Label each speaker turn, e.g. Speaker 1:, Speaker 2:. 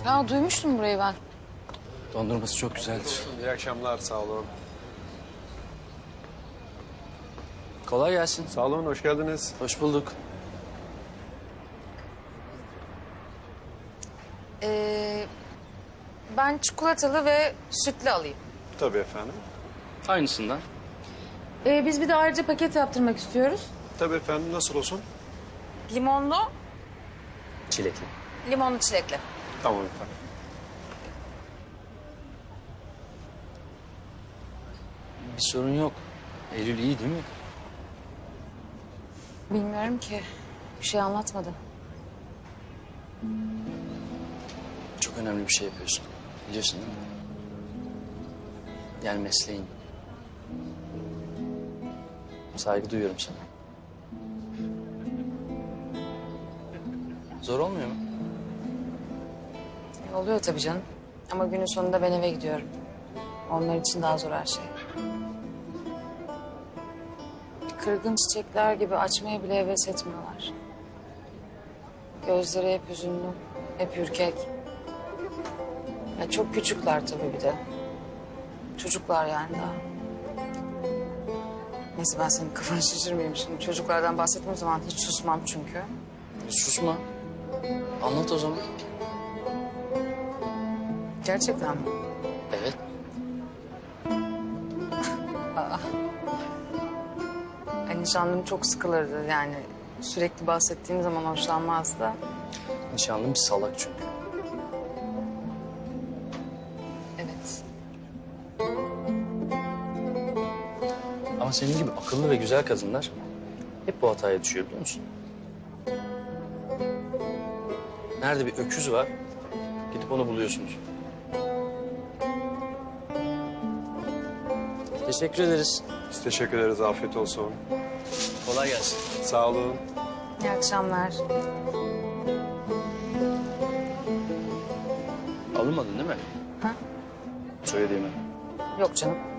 Speaker 1: Aa, duymuştum burayı ben.
Speaker 2: Dondurması çok güzeldir.
Speaker 3: İyi akşamlar, sağ olun.
Speaker 2: Kolay gelsin.
Speaker 3: Sağ olun, hoş geldiniz.
Speaker 2: Hoş bulduk.
Speaker 1: Ben çikolatalı ve sütlü alayım.
Speaker 3: Tabii efendim.
Speaker 2: Aynısından.
Speaker 1: Biz bir de ayrıca paket yaptırmak istiyoruz.
Speaker 3: Tabii efendim, nasıl olsun?
Speaker 1: Limonlu,
Speaker 2: Çilekli.
Speaker 1: limonlu çilekli.
Speaker 3: Tamam efendim.
Speaker 2: Bir sorun yok. Eylül iyi değil mi?
Speaker 1: Bilmiyorum ki. Bir şey anlatmadı.
Speaker 2: Çok önemli bir şey yapıyorsun. Biliyorsun değil mi? Yani mesleğin. Saygı duyuyorum sana. Zor olmuyor mu?
Speaker 1: Oluyor tabii canım. Ama günün sonunda ben eve gidiyorum. Onlar için daha zor her şey. Kırgın çiçekler gibi açmaya bile heves etmiyorlar. Gözleri hep hüzünlü, hep ürkek. Ya çok küçükler tabii bir de. Çocuklar yani daha. Neyse ben senin kafanı şişirmeyeyim şimdi. Çocuklardan bahsettiğim zaman hiç susmam çünkü.
Speaker 2: Susma. Anlat o zaman.
Speaker 1: Gerçekten mi?
Speaker 2: Evet.
Speaker 1: Ay, nişanlım çok sıkılırdı yani. Sürekli bahsettiğim zaman hoşlanmazdı.
Speaker 2: Nişanlım bir salak çünkü.
Speaker 1: Evet.
Speaker 2: Ama senin gibi akıllı ve güzel kadınlar hep bu hataya düşüyor biliyor musun? Nerede bir öküz var, gidip onu buluyorsunuz. Teşekkür ederiz.
Speaker 3: Biz teşekkür ederiz, afiyet olsun.
Speaker 2: Kolay gelsin.
Speaker 3: Sağ olun.
Speaker 1: İyi akşamlar.
Speaker 2: Alınmadın değil mi?
Speaker 1: Ha?
Speaker 2: Söylediğimi.
Speaker 1: Yok canım.